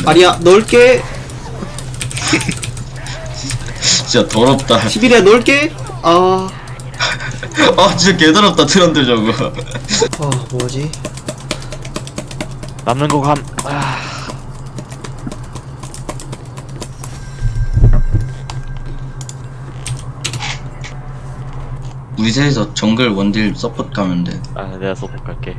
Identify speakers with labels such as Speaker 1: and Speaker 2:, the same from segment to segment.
Speaker 1: 아리야 넣을게.
Speaker 2: 진짜 더럽다.
Speaker 1: 11이야 넣을게. 아
Speaker 2: 진짜 개더럽다 트런들 저거.
Speaker 1: 뭐지?
Speaker 3: 남는 거 감.
Speaker 2: 우리 셋이서 정글 원딜 서포트 가면 돼.
Speaker 3: 내가 서포트 갈게.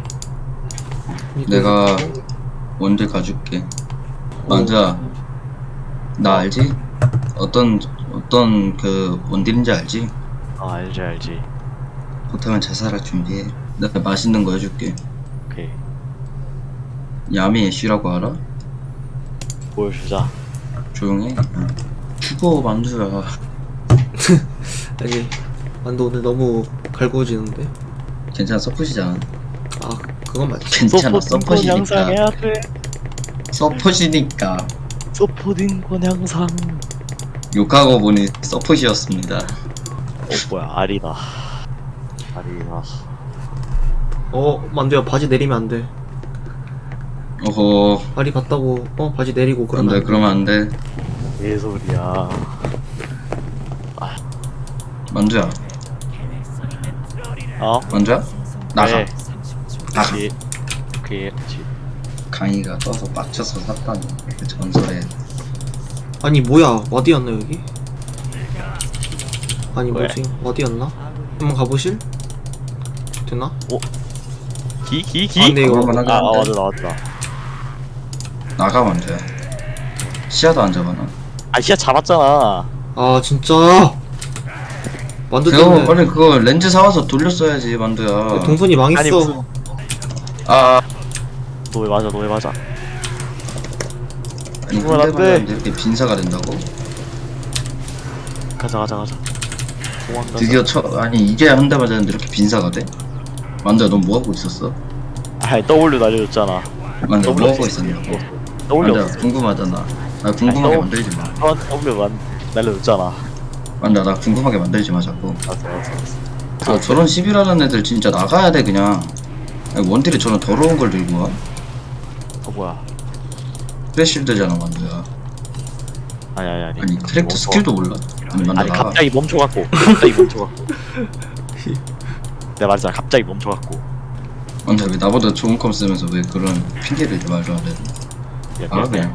Speaker 2: 내가 원딜 가줄게. 만두야, 나 알지? 어떤 그 원딜인지 알지?
Speaker 3: 알지.
Speaker 2: 그렇다면 자살할 준비해. 내가 맛있는 거 해줄게.
Speaker 3: 오케이.
Speaker 2: 야미 애쉬라고 알아?
Speaker 3: 보여주자.
Speaker 2: 조용해. 죽어 만두야.
Speaker 1: 아니 만두 오늘 너무 갈구어지는데.
Speaker 2: 괜찮아 서폿이잖아.
Speaker 1: 그건 맞지.
Speaker 2: 괜찮아
Speaker 3: 서포팅
Speaker 2: 서폿이니까.
Speaker 3: 양상해야 돼.
Speaker 2: 서폿이니까.
Speaker 3: 서포팅 권 양상.
Speaker 2: 욕하고 보니 서폿이었습니다.
Speaker 3: 뭐야 아리다.
Speaker 1: 만두야 바지 내리면 안 돼.
Speaker 2: 어허.
Speaker 1: 아리 갔다고 바지 내리고 그러면
Speaker 2: 안돼 그러면 안돼.
Speaker 3: 개소리야.
Speaker 2: 만두야. 만두야? 나가.
Speaker 3: 네.
Speaker 2: 나가.
Speaker 3: 그렇지.
Speaker 2: 강의가 떠서 빡쳐서 샀다니 그 전설에.
Speaker 1: 아니 뭐야 어디였나 여기? 아니
Speaker 3: 왜?
Speaker 1: 뭐지 어디였나? 한번 가보실? 되나?
Speaker 3: 기?
Speaker 1: 근데 이거
Speaker 2: 그럴만하긴 한데.
Speaker 3: 맞아 나왔다.
Speaker 2: 나가 만두야. 시야도 안 잡아놔.
Speaker 3: 시야 잡았잖아.
Speaker 1: 진짜 만두
Speaker 2: 그거
Speaker 1: 때문에
Speaker 2: 빨리 그거 렌즈 사와서 돌렸어야지 만두야.
Speaker 1: 동선이 망했어.
Speaker 3: 아니, 무슨- 너 왜 맞아.
Speaker 2: 아니
Speaker 3: 그건 안
Speaker 2: 군대
Speaker 3: 돼.
Speaker 2: 가는데 이렇게 빈사가 된다고?
Speaker 3: 가자. 도망가자.
Speaker 2: 드디어 아니 이제 한 대 맞았는데 이렇게 빈사가 돼? 만두야 넌 뭐하고 있었어?
Speaker 3: W 날려줬잖아.
Speaker 2: 만두야
Speaker 3: W
Speaker 2: 뭐하고
Speaker 3: 없었어.
Speaker 2: 있었냐고.
Speaker 3: W
Speaker 2: 만두야
Speaker 3: 없었어.
Speaker 2: 궁금하잖아. 나 궁금하게
Speaker 3: 아니,
Speaker 2: 만들지 마.
Speaker 3: W 날려줬잖아.
Speaker 2: 만두야 나 궁금하게 만들지 마 자꾸.
Speaker 3: 알았어.
Speaker 2: 저런 시비라는 애들 진짜 나가야 돼 그냥. 아니, 원딜이 저런 더러운 걸 들고 와?
Speaker 3: 뭐야?
Speaker 2: 프레실드잖아 만두야.
Speaker 3: 아니.
Speaker 2: 아니 캐릭터 스킬도 몰라? 아니 만두
Speaker 3: 아니
Speaker 2: 나가.
Speaker 3: 갑자기 멈춰갖고. 내가 말했잖아. 갑자기 멈춰갖고.
Speaker 2: 만두야 왜 나보다 좋은 컴 쓰면서 왜 그런 핑계를 말도 안 해?
Speaker 3: 미안.
Speaker 2: 그냥.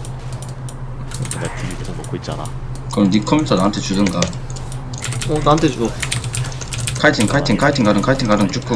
Speaker 3: 내가 TV 계속 놓고 있잖아.
Speaker 2: 그럼 네 컴퓨터 나한테 주든가.
Speaker 1: 나한테 줘.
Speaker 2: 카이팅 가는 쭉쭉.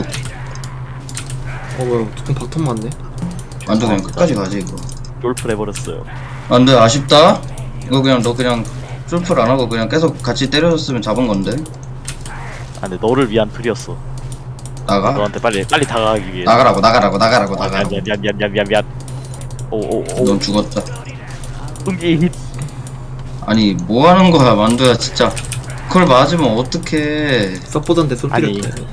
Speaker 1: 뭐야 조금 바텀 맞네.
Speaker 2: 만두 그냥 끝까지 가지 이거.
Speaker 3: 롤플 해버렸어요.
Speaker 2: 만두 아쉽다. 이거 그냥 너 그냥 솔플 안 하고 그냥 계속 같이 때려줬으면 잡은 건데.
Speaker 3: 근데 너를 위한 풀이었어.
Speaker 2: 나가?
Speaker 3: 너한테 빨리 다가가기 위해.
Speaker 2: 나가라고.
Speaker 3: 미안. 오.
Speaker 2: 넌 죽었다.
Speaker 3: 응기.
Speaker 2: 아니 뭐 하는 거야 만두야 진짜. 그걸 맞으면 어떡해.
Speaker 1: 서포던데 손
Speaker 3: 아니.
Speaker 1: 때렸대.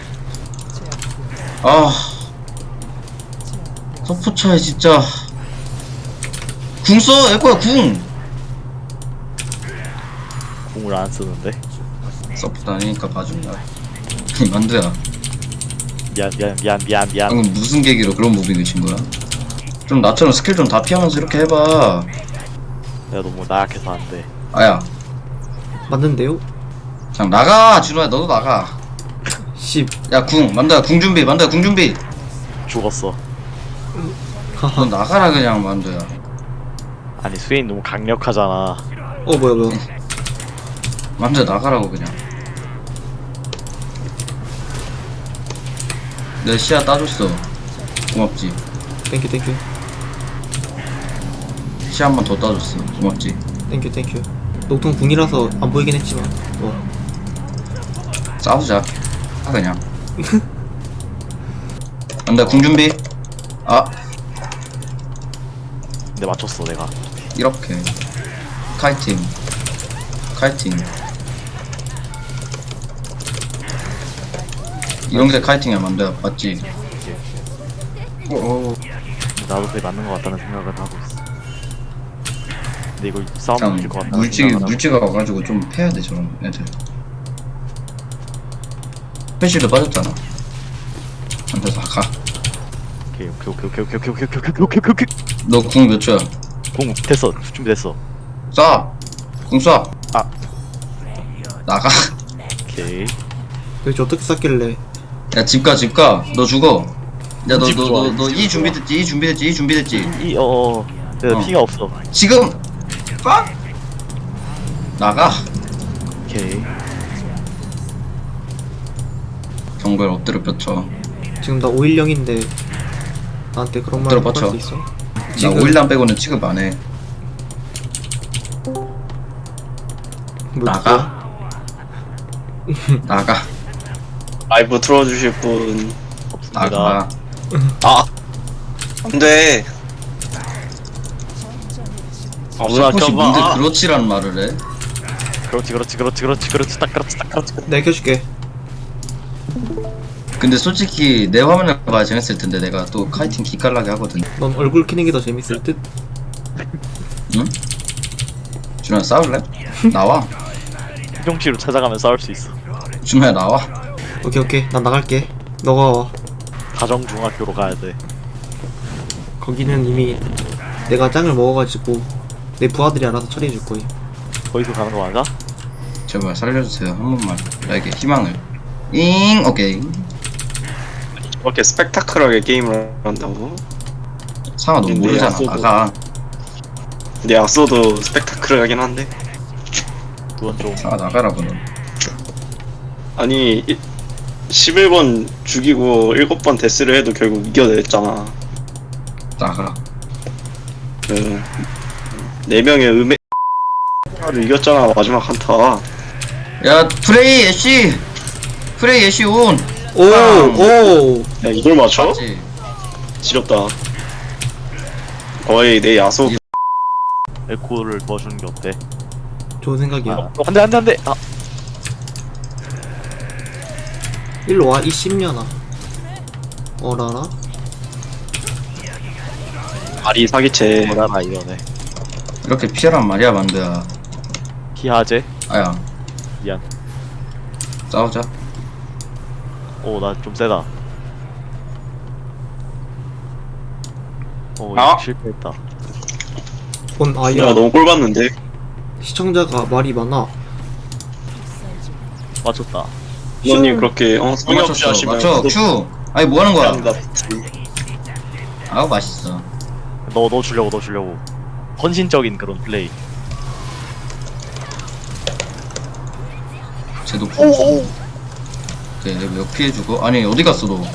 Speaker 2: 서포차에 진짜 궁 써! 에코야 궁!
Speaker 3: 공을 안 쓰는데.
Speaker 2: 서포트 아니니까 봐준다. 아니 만두야
Speaker 3: 미안.
Speaker 2: 방금 무슨 계기로 그런 무빙을 친 거야? 좀 나처럼 스킬 좀 다 피하면서 이렇게 해봐.
Speaker 3: 내가 너무 나약해서 안 돼.
Speaker 2: 아야
Speaker 1: 맞는데요?
Speaker 2: 그냥 나가 준호야 너도 나가. 야 궁 만두야 궁 준비.
Speaker 3: 죽었어.
Speaker 2: 너 나가라 그냥 만두야.
Speaker 3: 아니 스웨인 너무 강력하잖아.
Speaker 1: 뭐야.
Speaker 2: 만두야 나가라고 그냥. 내 시야 따줬어. 고맙지.
Speaker 1: 땡큐.
Speaker 2: 시야 한 번 더 따줬어. 고맙지.
Speaker 1: 땡큐. 녹통 궁이라서 안 보이긴 했지만.
Speaker 2: 싸우자. 그냥. 만두야 궁 준비.
Speaker 3: 근데 맞췄어 내가.
Speaker 2: 이렇게 카이팅 이런 게 카이팅이야 만두야 맞지?
Speaker 3: 나도 그게 맞는 것 같다는 생각은 하고 있어. 근데 이거 싸움
Speaker 2: 그냥
Speaker 3: 이길 것 같다는 생각은 하고.
Speaker 2: 물지가 와가지고 좀 패야 돼 저런 애들. 패시도 빠졌잖아. 만두야 가.
Speaker 3: 오케이.
Speaker 2: 너 궁 몇 초야?
Speaker 3: 공 됐어. 준비됐어.
Speaker 2: 쏴! 궁 쏴!
Speaker 3: 아.
Speaker 2: 나가.
Speaker 3: 오케이.
Speaker 1: 도대체 어떻게 쌌길래?
Speaker 2: 야, 집 가, 집 가. 너 죽어. 야,
Speaker 3: 집 좋아,
Speaker 2: 너
Speaker 3: 집
Speaker 2: 이
Speaker 3: 좋아.
Speaker 2: 준비됐지? 이 준비됐지? 이 준비됐지?
Speaker 3: 내가
Speaker 2: 어.
Speaker 3: 피가 없어.
Speaker 2: 지금! 빡! 나가.
Speaker 3: 오케이.
Speaker 2: 경고를 엎드려 뻗쳐.
Speaker 1: 지금 나 510인데 나한테 그런 말
Speaker 2: 엎드려
Speaker 1: 할
Speaker 2: 뻗쳐.
Speaker 1: 수 있어?
Speaker 2: 나
Speaker 1: 지금-
Speaker 2: 5일남 빼고는 취급 안 해.
Speaker 1: 뭐
Speaker 2: 나가. 나가.
Speaker 4: 라이브 틀어주실 분.
Speaker 3: 없습니다.
Speaker 2: 나가.
Speaker 4: 아! 안 돼. 아, 누나
Speaker 2: 혹시 뭔데
Speaker 4: 켜봐.
Speaker 2: 그렇지라는 말을 해?
Speaker 3: 그렇지. 딱 그렇지.
Speaker 1: 내가 켜줄게.
Speaker 2: 근데 솔직히 내 화면을 봐야 재밌을 텐데 내가 또 카이팅 기깔나게 하거든.
Speaker 1: 넌 얼굴 키는 게 더 재밌을 듯?
Speaker 2: 응? 준호야 싸울래? 나와.
Speaker 3: 형씨로 찾아가면 싸울 수 있어.
Speaker 2: 준호야 나와.
Speaker 1: 오케이 난 나갈게. 너가 와.
Speaker 3: 가정중학교로 가야 돼.
Speaker 1: 거기는 이미 내가 짱을 먹어가지고 내 부하들이 알아서 처리해줄 거임.
Speaker 3: 거기서 가는 거 맞아?
Speaker 2: 제발 살려주세요 한 번만 나에게 희망을. 잉 오케이.
Speaker 4: 이렇게 스펙타클하게 게임을 한다고?
Speaker 2: 상아 너
Speaker 4: 근데
Speaker 2: 모르잖아.
Speaker 4: 약속도-
Speaker 2: 나가.
Speaker 4: 근데 약소도 스펙타클하긴 한데.
Speaker 3: 그건 좀
Speaker 2: 상아 나가라고 너.
Speaker 4: 아니, 11번 죽이고 7번 데스를 해도 결국 이겨냈잖아.
Speaker 2: 나가.
Speaker 4: 그, 4명의 를 이겼잖아, 마지막 한타.
Speaker 2: 야 프레이 애쉬. 프레이 애쉬 온.
Speaker 1: 오!
Speaker 4: 야, 이걸 맞춰?
Speaker 2: 맞지?
Speaker 4: 지렸다. 거의 내 야소.
Speaker 3: 에코를 도와주는 게 어때?
Speaker 1: 좋은 생각이야.
Speaker 3: 안돼. 아,
Speaker 1: 일로 와, 이 씹년아. 어라라?
Speaker 4: 아리 사기체.
Speaker 3: 뭐라나 이러네.
Speaker 2: 이렇게 피하란 말이야 만두야.
Speaker 3: 기하제.
Speaker 2: 아야
Speaker 3: 미안.
Speaker 2: 싸우자.
Speaker 3: 오, 나 좀 세다. 오,
Speaker 4: 아!
Speaker 3: 실패했다.
Speaker 1: 본
Speaker 4: 야,
Speaker 1: 아이야.
Speaker 4: 너무 꼴봤는데?
Speaker 1: 시청자가 말이 많아.
Speaker 3: 맞췄다.
Speaker 4: 부모님 그렇게, 성의 없이
Speaker 2: 맞췄어.
Speaker 4: 하시면.
Speaker 2: 맞춰 큐. 아니 뭐 하는 거야?
Speaker 4: 합니다.
Speaker 2: 아우 맛있어.
Speaker 3: 너 주려고. 헌신적인 그런 플레이.
Speaker 2: 쟤도 오케이 몇 피해주고. 아니 어디 갔어 너?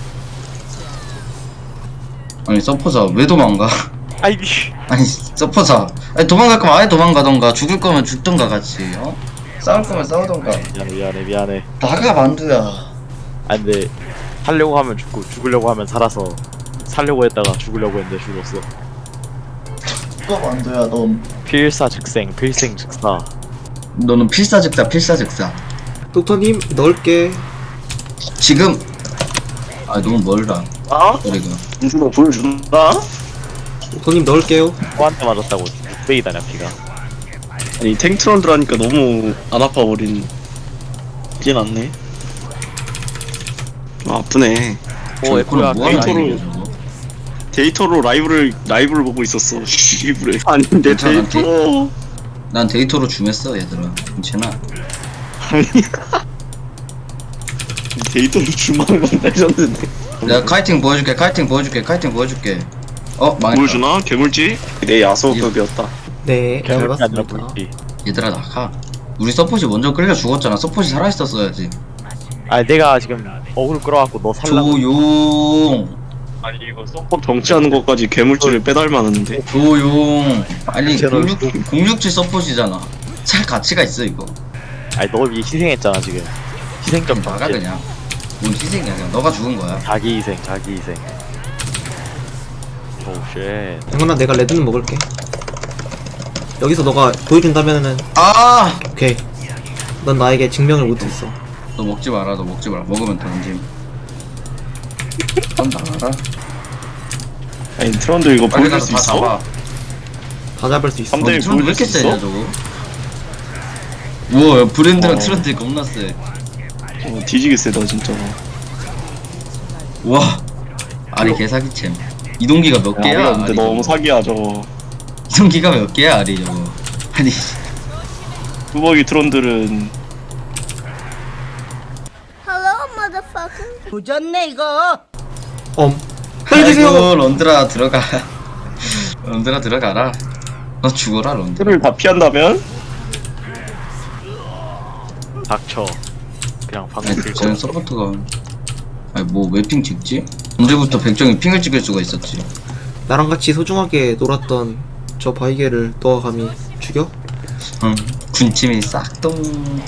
Speaker 2: 아니 서포자 왜 도망가?
Speaker 3: 아이디.
Speaker 2: 아니 서포자 아니 도망갈 거면 아예 도망가던가 죽을 거면 죽던가 같이 어? 싸울 거면 싸우던가.
Speaker 3: 미안해.
Speaker 2: 나가 만두야.
Speaker 3: 아 근데 살려고 하면 죽고 죽으려고 하면 살아서 살려고 했다가 죽으려고 했는데 죽었어.
Speaker 2: 너 만두야 넌.
Speaker 3: 필사즉생, 필생즉사.
Speaker 2: 너는 필사즉사.
Speaker 1: 독터님, 넣을게.
Speaker 2: 지금. 아 너무 멀다.
Speaker 4: 아?
Speaker 2: 우리가.
Speaker 4: 민준아 보여준다?
Speaker 1: 독터님, 넣을게요.
Speaker 3: 코한테 맞았다고 6배이다냐 피가.
Speaker 4: 아니 탱트런들 하니까 너무 안 아파버린. 이게 낫네. 좀 아프네.
Speaker 3: 오, 에코야.
Speaker 2: 뭐 하는
Speaker 4: 데이터로-
Speaker 2: 얘기야 저거?
Speaker 4: 데이터로 라이브를 보고 있었어. 일부러. 아니 내
Speaker 2: 괜찮아,
Speaker 4: 데이터.
Speaker 2: 난 데이터로 줌했어 얘들아. 괜찮아.
Speaker 4: 아니. 데이터로 줌하는 건 레전드인데.
Speaker 2: 내가 카이팅 보여줄게. 망했다.
Speaker 4: 보여주나? 개물지? 내 야소급이었다.
Speaker 1: 네, 잘
Speaker 3: 개물이 아니라
Speaker 1: 봤습니다.
Speaker 3: 물기.
Speaker 2: 얘들아 나가. 우리 서폿이 먼저 끌려 죽었잖아. 서폿이 살아있었어야지.
Speaker 3: 아니 내가 지금 어그로 끌어갖고 너 살라고.
Speaker 2: 조용.
Speaker 4: 아니 이거 서포 정치하는 것까지 개물지를 빼닮았는데.
Speaker 2: 조용. 아니
Speaker 3: 채널
Speaker 2: 067 서폿이잖아. 살 가치가 있어 이거.
Speaker 3: 아니 너 위해 희생했잖아 지금. 희생점
Speaker 2: 나가
Speaker 3: 정치.
Speaker 2: 그냥. 뭔 희생이야 그냥. 너가 죽은 거야.
Speaker 3: 자기 희생. 오쉣.
Speaker 1: 당연하 내가 레드는 먹을게. 여기서 너가 보여준다면은
Speaker 2: 아!
Speaker 1: 오케이. 넌 나에게 증명을 못했어.
Speaker 2: 너 먹지 마라. 먹으면 던짐. 넌 나가라.
Speaker 4: 아니 트런들 이거
Speaker 2: 빨리
Speaker 4: 보여줄
Speaker 2: 가서
Speaker 4: 수
Speaker 2: 다
Speaker 4: 있어?
Speaker 2: 잡아.
Speaker 1: 다 잡을 수 있어.
Speaker 4: 삼 대-
Speaker 2: 트런드 왜 이렇게
Speaker 4: 보여줄 수
Speaker 2: 세냐
Speaker 4: 있어?
Speaker 2: 저거? 우와 브랜드랑
Speaker 4: 어.
Speaker 2: 트런드 겁나 세.
Speaker 4: 뒤지게 세다 진짜.
Speaker 2: 우와. 아니 개사기챔. 이동기가 몇 개야?
Speaker 4: 야, 근데
Speaker 2: 아니,
Speaker 4: 너무
Speaker 2: 저거.
Speaker 4: 사기야 저거.
Speaker 2: 이동기가 몇 개야 아리 저거. 아니
Speaker 4: 뚜벅이 트론들은
Speaker 5: 조졌네 이거.
Speaker 1: 살려주세요.
Speaker 2: 아이고 런드라 들어가. 런드라 들어가라. 너 죽어라 런드라.
Speaker 4: 틀을 다 피한다면?
Speaker 3: 닥쳐. 그냥 방금
Speaker 2: 아니
Speaker 3: 쓸
Speaker 2: 저는
Speaker 3: 거.
Speaker 2: 서포트가 아니 뭐 왜 핑 찍지? 언제부터 백정이 핑을 찍을 수가 있었지?
Speaker 1: 나랑 같이 소중하게 놀았던 저 바이게를 너가 감히 죽여?
Speaker 2: 응 군침이 싹동.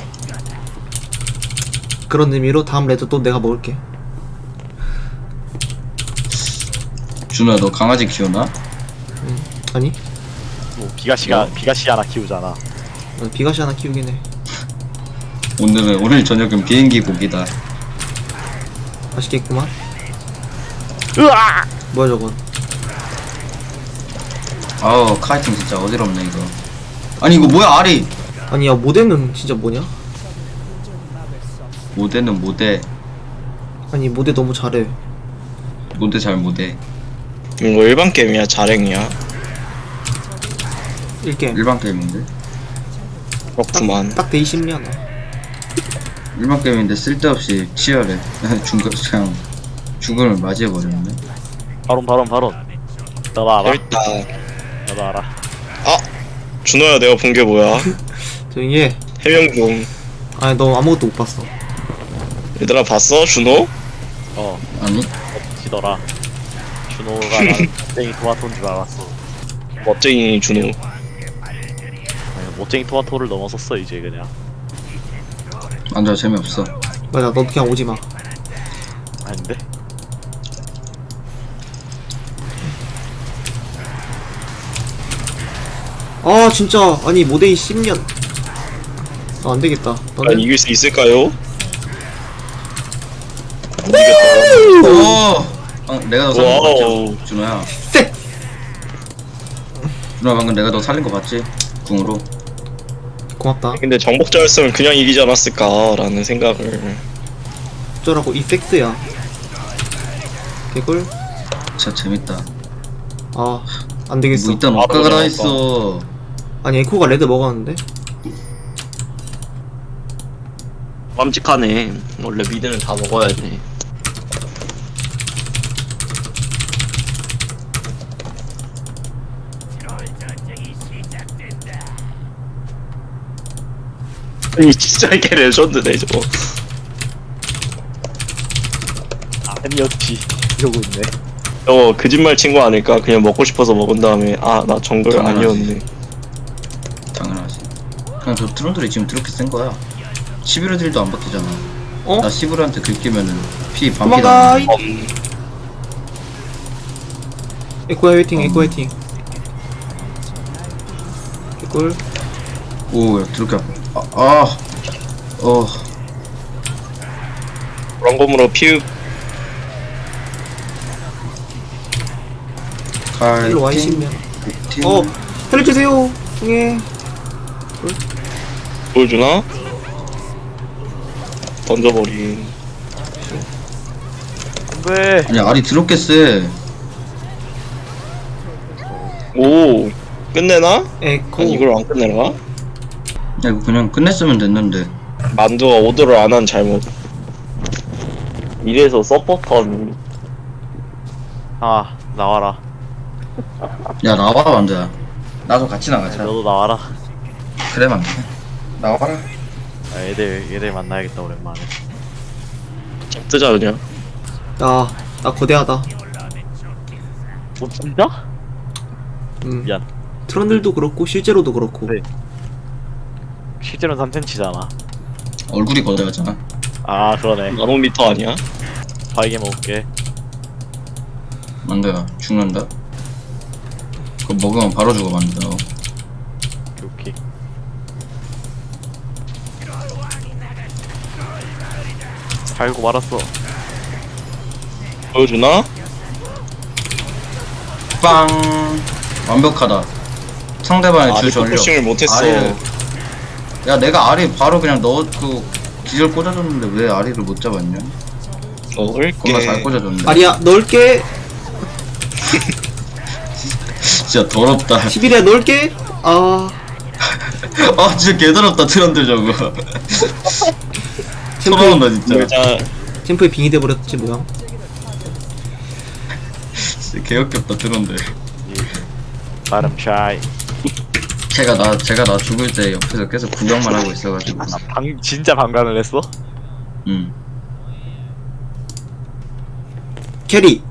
Speaker 1: 그런 의미로 다음 레드 또 내가 먹을게.
Speaker 2: 준호야 너 강아지 키우나?
Speaker 1: 아니?
Speaker 3: 뭐 비가시 하나 키우잖아.
Speaker 1: 비가시 하나 키우긴 해.
Speaker 2: 오늘 저녁은 비행기 고기다.
Speaker 1: 맛있겠구만.
Speaker 3: 으아!
Speaker 1: 뭐야 저건?
Speaker 2: 아우 카이팅 진짜 어지럽네 이거. 아니 이거 뭐야 아리.
Speaker 1: 아니 야 모델은 진짜 뭐냐?
Speaker 2: 모대는 모대.
Speaker 1: 아니 모델 너무 잘해.
Speaker 2: 모대 잘 모대.
Speaker 4: 이거 일반 게임이야 자랭이야?
Speaker 1: 1게임
Speaker 2: 일반 게임인데?
Speaker 4: 그렇구만.
Speaker 1: 딱 데이 10년.
Speaker 2: 일반 게임인데 쓸데없이 치열해. 그냥 죽음을 맞이해버렸네.
Speaker 3: 바론. 나도 알아.
Speaker 4: 재밌다.
Speaker 3: 나도 알아.
Speaker 4: 아! 준호야 내가 본 게 뭐야?
Speaker 1: 조용히 해.
Speaker 4: 해명 좀.
Speaker 1: 아니 너 아무것도 못 봤어.
Speaker 4: 얘들아 봤어? 준호?
Speaker 2: 아니?
Speaker 3: 멋지더라. 준호가 나는 멋쟁이 토마토인 줄 알았어.
Speaker 4: 멋쟁이 준호.
Speaker 3: 아니, 멋쟁이 토마토를 넘어섰어 이제 그냥.
Speaker 2: 완전 재미없어.
Speaker 1: 맞아 너 그냥 오지마.
Speaker 3: 아닌데?
Speaker 1: 아 진짜 아니 모델이 10년. 아 안되겠다.
Speaker 4: 난
Speaker 1: 너는
Speaker 4: 이길 수 있을까요?
Speaker 2: 오! 내가 너 살린 거
Speaker 4: 와우.
Speaker 2: 봤지? 준호야.
Speaker 1: 쎄!
Speaker 2: 준호야 방금 내가 너 살린 거 봤지? 궁으로.
Speaker 1: 고맙다.
Speaker 4: 근데 정복자였으면 그냥 이기지 않았을까라는 생각을.
Speaker 1: 어쩌라고 이 섹스야. 개꿀.
Speaker 2: 진짜 재밌다.
Speaker 1: 아 안되겠어.
Speaker 2: 뭐 일단 억가가 다 있어.
Speaker 1: 아니 에코가 레드 먹었는데?
Speaker 4: 깜찍하네. 원래 미드는 다 먹어야지. 이 진짜 이게 레전드네 저거.
Speaker 3: 아니었지. 이러고 있네.
Speaker 4: 저거 거짓말 친 거 아닐까? 그냥 먹고 싶어서 먹은 다음에 아 나 정글
Speaker 2: 당연하지.
Speaker 4: 아니었네.
Speaker 2: 당연하지. 그냥 저 트론들이 지금 그렇게 센 거야. 11호 딜도 안 바뀌잖아.
Speaker 1: 어?
Speaker 2: 나 11호한테 긁히면은 피 반피
Speaker 1: 도망가.
Speaker 2: 나는.
Speaker 1: 에코야 화이팅 에코 화이팅. 개꿀.
Speaker 2: 오, 야, 드럽게 아파.
Speaker 4: 그런 거므로 피읍.
Speaker 1: 일로 와
Speaker 2: 카이팅.
Speaker 1: 10년. 살려주세요. 예.
Speaker 4: 보여주나? 던져버린.
Speaker 3: 안돼.
Speaker 2: 아니 알이 드럽게 세.
Speaker 4: 오 끝내나?
Speaker 1: 에코.
Speaker 4: 아니 이걸 안 끝내나?
Speaker 2: 야 이거 그냥 끝냈으면 됐는데.
Speaker 4: 만두가 오더를 안 한 잘못. 이래서 서포터는
Speaker 3: 아 나와라.
Speaker 2: 야 나와라 만두야. 나도 같이 나가자.
Speaker 3: 너도 나와라.
Speaker 2: 그래 만두. 나와라.
Speaker 3: 아, 얘들 만나야겠다 오랜만에.
Speaker 4: 뜨자 그냥.
Speaker 1: 나 거대하다.
Speaker 3: 뭐 진짜? 미안.
Speaker 1: 트런들도 그렇고 실제로도 그렇고.
Speaker 3: 네. 실제로는 3cm잖아.
Speaker 2: 얼굴이 거대하잖아.
Speaker 3: 아 그러네.
Speaker 4: 나노미터 아니야?
Speaker 3: 바이게 먹을게.
Speaker 2: 만두야 죽는다. 그거 먹으면 바로 죽어 만두.
Speaker 3: 오케이. 살고 말았어.
Speaker 4: 보여주나?
Speaker 2: 빵. 완벽하다. 상대방의 주
Speaker 4: 아리
Speaker 2: 전력.
Speaker 4: 포싱을 못했어.
Speaker 2: 아리를. 야 내가 아리 바로 그냥 너 그 기절 꽂아줬는데 왜 아리를 못 잡았냐?
Speaker 4: 먹을게.
Speaker 2: 겁나 잘 꽂아줬는데.
Speaker 1: 아리야 넓게.
Speaker 2: 진짜 더럽다.
Speaker 1: 11에 넣을게. 아
Speaker 2: 아 진짜 개더럽다 트런들 저거.
Speaker 1: 템포
Speaker 2: 서러운다 진짜.
Speaker 4: 여자
Speaker 1: 템포에 빙이 돼버렸지 뭐야.
Speaker 2: 진짜 개역겹다 트런들.
Speaker 3: 나름 샤이.
Speaker 2: 제가 나 죽을 때 옆에서 계속 구경만 하고 있어가지고.
Speaker 3: 진짜 방관을 했어?
Speaker 2: 음.
Speaker 1: 캐리